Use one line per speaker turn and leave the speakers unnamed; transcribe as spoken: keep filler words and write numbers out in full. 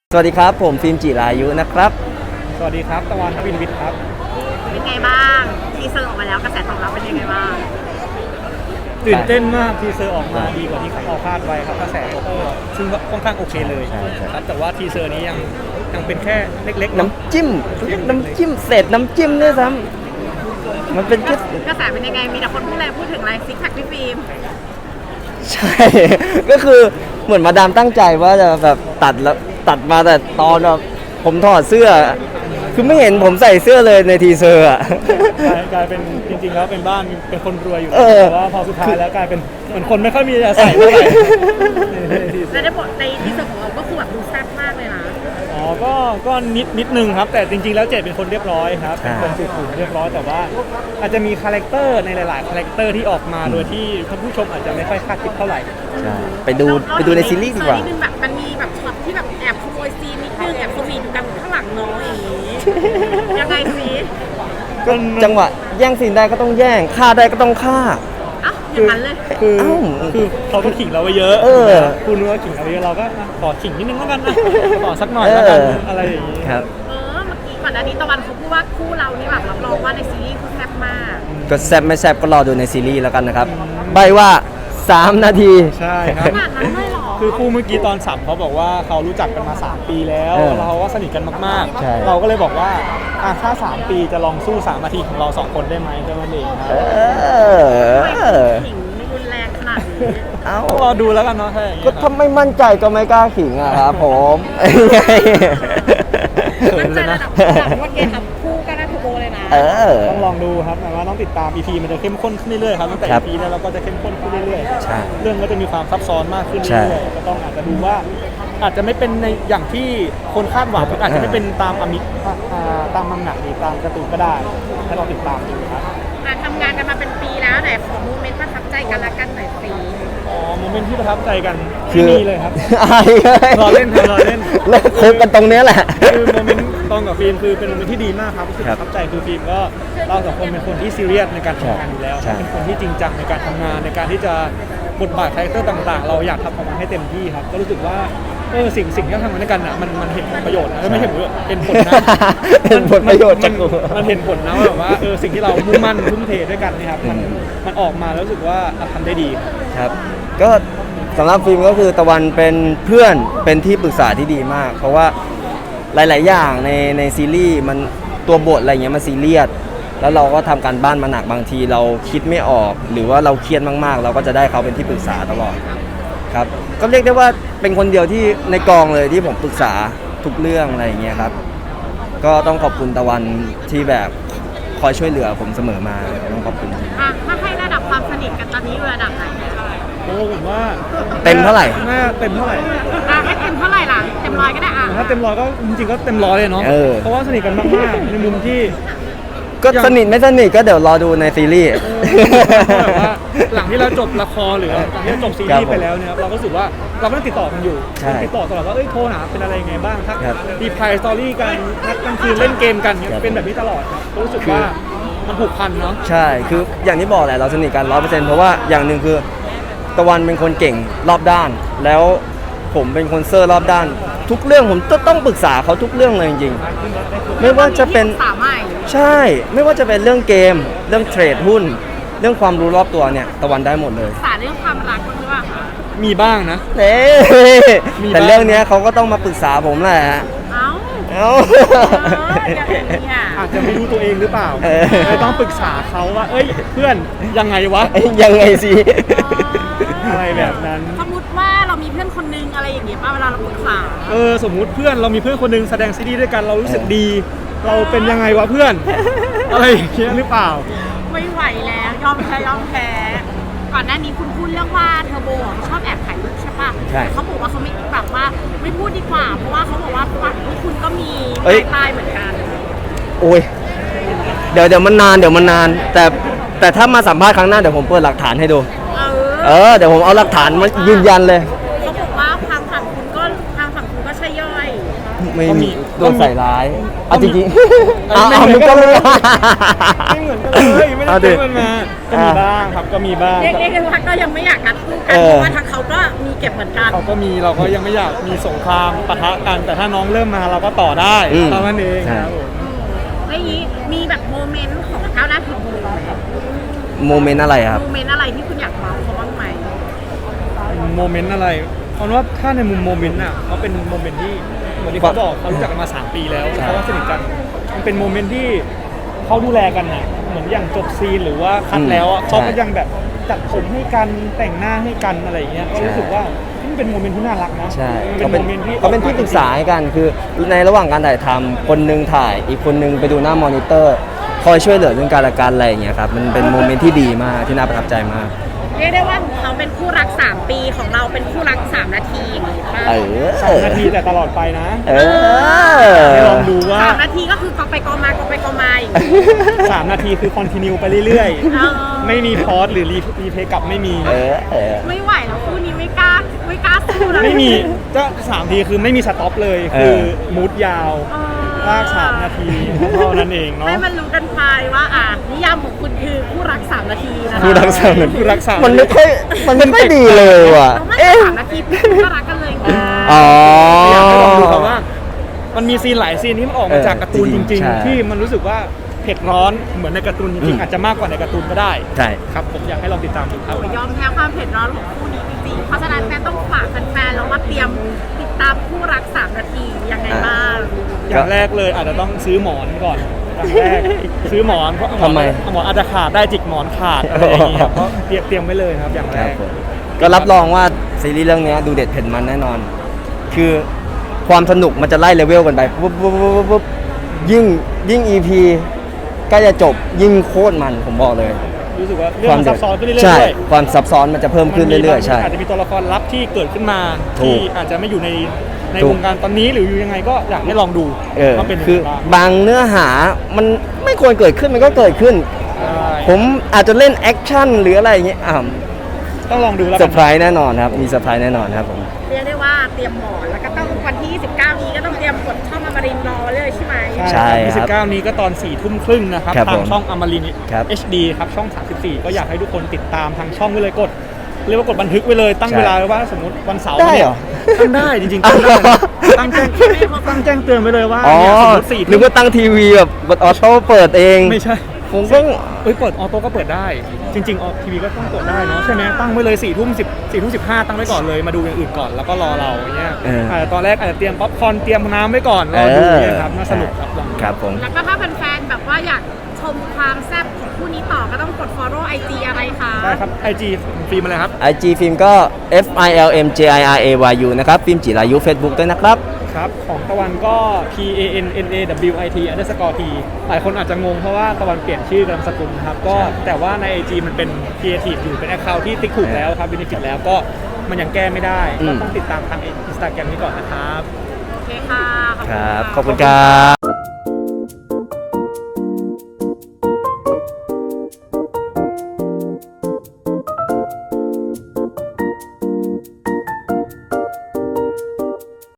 สวัสดีครับผมฟิล์มจิรายุนะครับ
สวัสดีครับตะวันวินวิทย์ครับ
เป็นไงบ้างทีเซอร์ออกมาแล้วกระแสตอบรับเป็นยังไงบ้าง
ตื่นเต้นมากทีเซอร์ออกมาดีกว่าที่เราคาดไว้ครับกระแสก็ซึ่งค่อนข้างโอเคเลยครับแต่ว่าทีเซอร์นี้ยังยังเป็นแค่เล็กๆ
น้ำจิ้มน้ำจิ้มเศษน้ำจิ้มด้วยซ้ำมันเป็นแค่
กระแสเป็นยังไงมีแต่คนพูดอะไรพูดถึงอะไรซิกแพคพี่ฟิล์ม
ใช่ก็คือเหมือนมาดามตั้งใจว่าจะแบบตัดแล้วตัดมาแต่ตอนแบบผมถอดเสื้อคือไม่เห็นผมใส่เสื้อเลยในทีเซอร์อ่ะ
กลายเป็นจริงๆแล้วเป็นบ้านเป็นคนรวยอยู่แต่ว่าพอสุดท้ายแล้วกลายเป็นเหมือนคนไม่ค่อยมีจะใส่เท่าไหร่
และในบทในทีเซอร์ของเราก็คือแบบดูแซ่บมากเลยนะ
อ๋อก็ก็นิดนิดนึงครับแต่จริงๆแล้วเจดเป็นคนเรียบร้อยครับเป็นคนสุขุมเรียบร้อยแต่ว่าอาจจะมีคาแรคเตอร์ในหลายๆคาแรคเตอร์ที่ออกมาโดยที่ท่านผู้ชมอาจจะไม่ค่อยคาดคิดเท่าไหร่
ใช่ไปดูไปดูในซีรีส์ดีกว่า
แบบมันมีแบบช็อตที่แบบแอบขโมยซีนนิดนึงแอบสวีทกันข้างหลังน้องอย่างนี้ยังไงสิ
ก็จังหวะแย่งซีนได้ก็ต้องแย่งฆ่าได้ก็ต้องฆ่า
อ้าวอย่างนั้นเลย
คือคือเขาก็ขิงเราไปเยอะคุณรู้ว่าขิงเราไปเยอะเราก็ขอขิงนิดนึงแล้วกันนะขอสักหน่อยแล้วกันอะไรอย่างนี้
ครับ
เออเมื่อกี้ก่อนหน้านี้ตะวันเขาพูดว่าคู่เรานี่แบบรับรองว่าในซีรีส์คือแซ่บมาก
ก็แซ่บไม่แซ่บก็รอดูในซีรีส์แล้วกันนะครับใบว่าสามนาที
ใช่ครับขนาดนั้นเลยเหรอคือคู่เมื่อกี้ตอนสัมเขาบอกว่าเขารู้จักกันมาสามปีแล้วเราก็สนิทกันมากๆเราก็เลยบอกว่าถ้าสามปีจะลองสู้สามนาทีของเราสองคนได้ไหมก็มันเองครับ
ขิงรุนแรงขนาดนี้
เอ้
ารอดูแล้วกันเนาะถ้าอย่างนี้
ก็ถ้าไม่มั่นใจก็ไม่กล้าขิงอะครับผม
มั่นใจระดับว่าเกมทำคู่กันนะทูโบเลยนะ
ต้องลองดูครับหมายว่าต้องติดตาม อี พี มันจะเข้มข้นขึ้นเรื่อยๆครับตั้งแต่ อี พี แล้วเราก็จะเข้มข้นขึ้นเรื่อยๆเรื่องก็จะมีความซับซ้อนมากขึ้นเรื่อยๆก็ต้องอาจจะดูว่าอาจจะไม่เป็นในอย่างที่คนคาดหวังอาจจะไม่เป็นตามอมิตามมังงะหรือตามการ์ตูนก็ได้ให้เราติดตามดูครับ
ทำงานกันมาเป็นปีแล้วไหนขอโมเมนต์ประทับใจกันละกันหน่อยสิ
อ๋อโมเมนต์ที่ประทับใจกันคือมีเลยครับรอเล่นรอเล่น
เล่นคบกันตรงนี้แหละ
คือโมเมนต์ตอนกับฟิล์มคือเป็นโมเมนต์ที่ดีมากครับรู้สึกประทับใจคือฟิล์มก็เราสองคนเป็นคนที่ซีเรียสในการทำงานอยู่แล้วเป็นคนที่จริงจังในการทำงานในการที่จะบทบาทคาแรคเตอร์ต่างๆเราอยากทำออกมาให้เต็มที่ครับก็รู้สึกว่าเออสิ่งสิ่งที่เราทำมาด้วยกันอ่ะมันมันเห็นประโยชน์นะไม่เห็นเป็นผลนะ
เป็นผลประโยชน์จาก
มันเห็นผลนะว่าแบบว่าเออสิ่งที่เรามุ่งมั่นทุ่มเทด้วยกันนะครับมันมันออกมาแล้วรู้สึกว่าทำได้ดี
ครับก็สำหรับฟิล์มก็คือตะวันเป็นเพื่อนเป็นที่ปรึกษาที่ดีมากเพราะว่าหลายๆอย่างในในซีรีส์มันตัวบทอะไรเงี้ยมันซีเรียสแล้วเราก็ทำการบ้านมาหนักบางทีเราคิดไม่ออกหรือว่าเราเครียดมากๆเราก็จะได้เขาเป็นที่ปรึกษาตลอดครับก็เรียกได้ว่าเป็นคนเดียวที่ในกองเลยที่ผมปรึกษาทุกเรื่องอะไรอย่างเงี้ยครับก็ต้องขอบคุณตะวันที่แบบคอยช่วยเหลือผมเสมอมาต้องขอบคุณ
อ่ะถ้าให้ระดับความสนิทกันตอนนี้อยู่ระดับไหน
โอ้ผมว่า
เต็มเท่าไหร่
เต็มเท่าไหร่
อ่ะให้เต็มเท่าไหร่ล่ะเต็มร้อยก็ได้อ่ะ
ถ้าเต็มร้อยก็จริงๆก็เต็มร้อยเลยเนาะเพราะว่าสนิทกันมากๆในมุมที่
ก็สนิทไม่สนิทก็เดี๋ยวรอดูในซีรีส์
หลังที่เราจบละครหรือหลังที่เราจบซีรีส์ไปแล้วเนี่ยเราก็รู้สึกว่าเราก็ต้องติดต่อกันอยู่ติดต่อตลอดว่าเอ้ยโทรหาเป็นอะไรไงบ้างทักดีไพร์สตอรี่กันนัดกลางคืนเล่นเกมกันเนี่ยเป็นแบบนี้ตลอดครับรู้สึกว่ามันผูกพันเนาะ
ใช่คืออย่างที่บอกแหละเราสนิทกันร้อยเปอร์เซ็นต์เพราะว่าอย่างหนึ่งคือตะวันเป็นคนเก่งรอบด้านแล้วผมเป็นคนเซอร์รอบด้านทุกเรื่องผมต้องปรึกษาเขาทุกเรื่องเลยจริงๆไม่ว่าจะเป็นใช่ไม่ว่าจะเป็นเรื่องเกมเรื่องเทรดหุ้นเรื่องความรู้รอบตัวเนี่ยตะวันได้หมดเลย
ปรึกษาเรื่องความรักหรือเปล่าคะ
มีบ้างนะ
เน่แต่เรื่องนี้เขาก็ต้องมาปรึกษาผมแหละ
เอ้า
เอ้า
อาจจะไม่รู้ตัวเองหรือเปล่าเลยต้องปรึกษาเขาว่าเอ้ยเพื่อนยังไงวะ
ยังไงสิ
อะไรแบบนั้น
สมมติว่าเรามีเพื่อนคนนึงอะไรอย่างเงี้ยป่ะเวลาเราปรึกษา
เออสมมุติเพื่อนเรามีเพื่อนคนนึงแสดงซีรีส์ด้วยกันเรารู้สึกดีเราเป็นยังไงวะเพื่อนอะไรอย่างเงี้ยหรือเปล่า
ไม่ไหวแล้วยอมแพ้ยอมแพ้ก่อนหน้านี้คุณพูดเรื่องว่าเทอร์โบชอบแอบถ่ายรูปใช่ป่ะเขาบอกว่าเขาไม่แบบว่าไม่พูดดีกว่าเพราะว่าเขาบอกว่าฝั่งที่คุณก็มีตายเหมือนกัน
โอ้ยเดี๋ยวเดี๋ยวมันนานเดี๋ยวมันนานแต่แต่ถ้ามาสัมภาษณ์ครั้งหน้าเดี๋ยวผมเปิดหลักฐานให้ดูเออเดี๋ยวผมเอาหลักฐานมายืนยันเลย
เขาบอกว่าทางฝั่งคุณก็ทางฝั่งคุณก็ใช่ย่อย
ไม่
ก็มี
มีโดนใส่ร้ายเอาจริง
ก็
ๆ
มี
เอาเอามึงก็ไม่
ไม่เหมือนกันเลยไม่ได้
เอาดิ
เจอกันมาก็มีบ้างครับก็มีบ้าง
เรียกเรียกได้ว่าก็ยังไม่อยากกัดสู้กัน
เออ
เพราะว่าทางเขาก็มีเก็บเหมือนกัน
เขาก็มีเราก็ยังไม่อยากมีสงครามปะทะกัน แต่ถ้าน้องเริ่มมาเราก็ต่อได้
อืม
เท่านั้นเองครับผม
แล้วอย่างนี้มีแบบโมเมนต์ของเท้าหน้าถึงโม
โมเมนต์อะไรครับ
โมเมนต์อะไรที่คุณอยากเมาเขาบ้างไหม
โมเมนต์อะไรเพราะว่าถ้าในมุมโมเมนต์อ่ะเขาเป็นโมเมนต์ที่เหมือนที่เขาบอกเขารู้จักกันมาสามปีแล้ว
ใช่
เขาว่าสนิทกันมันเป็นโมเมนต์ที่เขาดูแลกันนะเหมือนอย่างจบซีนหรือว่าคัดแล้วอะเขาก็ยังแบบจัดผมให้กันแต่งหน้าให้กันอะไรอย่างเงี้ยก็รู้สึกว่านี่เป็นโมเมนต์ที่น่ารักนะ
ใช่
มันเป็
เขา
น
เป็น
โมเมนต์ที่
เขาเป็นที่ปรึกษาให้กันคือในระหว่างการถ่ายทำคนหนึงถ่ายอีกคนหนึงไปดูหน้ามอนิเตอร์คอยช่วยเหลือเรื่องการละกันอะไรอย่างเงี้ยครับมันเป็นโมเมนต์ที่ดีมากที่น่าประทับใจมาก
เรียกได้ว่าของเขาเป็นคู่รักสามปีของเราเป็นคู่รักสามนาทีอย่างนี้ป่ะ
เออ
สามนาทีแต่ตลอดไปนะ
เอ
ให้
อ
ลองดูว่า
สามนาทีก็คือกอไปกอมากอไปกอมาอย่างนี้
สามนาทีคือคอนติเนียไปเรื่อย
เออ
ๆ ไม่มีพอสหรือรีรีเพย์กลับไม่มี
เออเออ
ไม่ไหวแล้วคู่นี้ไม่กล้าไม่กล้าสู้แล้ว
ไม่มีก็สามทีคือไม่มีสต็อปเลย
เออ
คือมูดยาว
เออ
ลากสามนาทีเท่านั้นเองเนาะ
ให้มันรู้กันไปว่าอ่ะนิยามของคุณคือคู่รักสามนาทีนะคะ
คู่รักสามนาที
คู่รักสาม
มันไม่ค่อยมันไม่ค่อยดีเลยว่ะ
เราไม่
เอ๊ะ
สามนาทีก็รักกันเลยไง
อ๋อ
อยากให้ลองดูครับว่า มันมีซีนหลายซีนที่มันออกมาจากการ์ตูน
เออ
จ
จริ
ริ
ง
ง
ๆใช่
ๆ ที่มันรู้สึกว่าเผ็ดร้อนเหมือนในการ์ตูนจ
อื
ริง
ม
ๆอาจจะมากกว่าในการ์ตูนก็ได้
ใช่
ครับผมอยากให้ลองติดตามดูครับ
ยอมแพ้ความเผ็ดร้อนของคู่นี้จริงๆเพราะฉะนั้นแฟนต้องฝากแฟนๆแล้วว่าเตรียมติดตามคู่รักสามนาทียังไงบ้าง
อย่างแรกเลยอาจจะต้องซื้อหมอนก่อนอย่างแรกซื้อหมอนเพราะหมอน
ทำไม
หมอนอาจจะขาดได้จิกหมอนขาดอะไรอย่างเงี้ยครับก็เตรียมเตรียมไว้เลยครับอย่าง
ค
แร
รับ
ก
ผมก็รับรองว่าซีรีส์เรื่องนี้ดูเด็ดเผ็ดมันแน่นอน คือความสนุกมันจะไล่เลเวลกันไปปุ๊บปุ๊บปุ๊บปุ๊บปุ๊บยิ่งยิ่ง อี พี ใกล้จะจบยิ่งโคตรมันผมบอกเลย
รู้สึกว่าเรื่องมันซับซ้อนขึ้นเรื่อยๆ
ใช่
ด้วย
ความซับซ้อนมันจะเพิ่มขึ้นเรื่อยๆใช่
อาจจะมีตัวละครลับที่เกิดขึ้นมา
ถู
ที่
ก
อาจจะไม่อยู่ในใน
ถูก
วงการตอนนี้หรืออยู่ยังไงก็อยากให้ลองดู
เออ
ว่าเป็นยัง
คื
ไง
อ
บ้าง
บางเนื้อหามันไม่ควรเกิดขึ้นมันก็เกิดขึ้น
ใช่
ผมอาจจะเล่นแอคชั่นหรืออะไรอย่างเงี้ยอ่า
ต้องลองดูแล้ว
เซ
กั
อร์ไพรส์แน่นอนครับมีเซอร์ไพรส์แน่นอนครับผม
เรียกได้ว่าเตรียมหมอนแล้วก็ต้องวันที่ยี่สิบเก้านี้ก็ต้องเตรียมกดช่องอมรินทร์รอไว้เลยใช่ไหม
ใช่
ยี่สิบเก้านี้ก็ตอนสี่ทุ่มครึ่งนะครับ
ครับ
ทา
ผ
ง
ม
ช่องอมรินทร์
ครับ
เอช ดี ครับช่องสามสิบสี่ก็อยากให้ทุกคนติดตามทางช่องไว้เลยกดเรียกว่ากดบันทึกไว้เลยตั้ง
ใช่
เวลาไว้ว่าสมมติวันเสาร์
ได้เหรอ
นี่ยตั้งได้จริงๆตั้งได้นะตั้งแจ้งตั้งแจ้งเตือนไว้เลยว่า
อ๋อ
เนี่ยสมมติสี่
นึกว่าตั้งทีวีแบบออโต้เปิดเอง
ไม่ใช่
ผมก็
เอ้ยเปิดออโต้ก็เปิดได้ จริงๆออทีวีก็ต้องกดได้เนาะใช่ไหมตั้งไว้เลยสี่ทุ่มสิบสี่ทุ่มสิบห้าตั้งไว้ก่อนเลยมาดูอย่างอื่นก่อนแล้วก็รอเราอย่างเงี้ย
เอออ
าจจะตอนแรกอาจจะเตรียมป๊อปคอร์นเตรียมน้ำไว้ก่อนรอดูเนี่ยครับน่าสนุกครับลองดู
ครับผม
แล้วก็ถ้าแฟนๆแบบว่าอยากชมความแซ่บของคู่นี้ต่อก็ต้องกด follow ไอ จี อะไรคะ
ได้ครับ ไอ จี ฟิล์มอะไรครับ
ไอ จี ฟิล์มก็ F I L M J I R A Y U นะครับฟิล์มจิรายุ Facebook ด้วยนะครับ
ครับ ของตะวันก็ P A N N A W I T underscore T หลายคนอาจจะงงเพราะว่าตะวันเปลี่ยนชื่อกับนามสกุลครับ ก็
ใช่
แต่ว่าใน ไอ จี มันเป็น Creative อยู่เป็น Account ที่ติ๊กถูกแล้วครับ Benefit แล้วก็มันยังแก้ไม่ได้ ก็ต้องติดตามทาง Instagram นี้ก่อนนะครับ
โอเคค่ะ
ครับ ขอบคุณครับ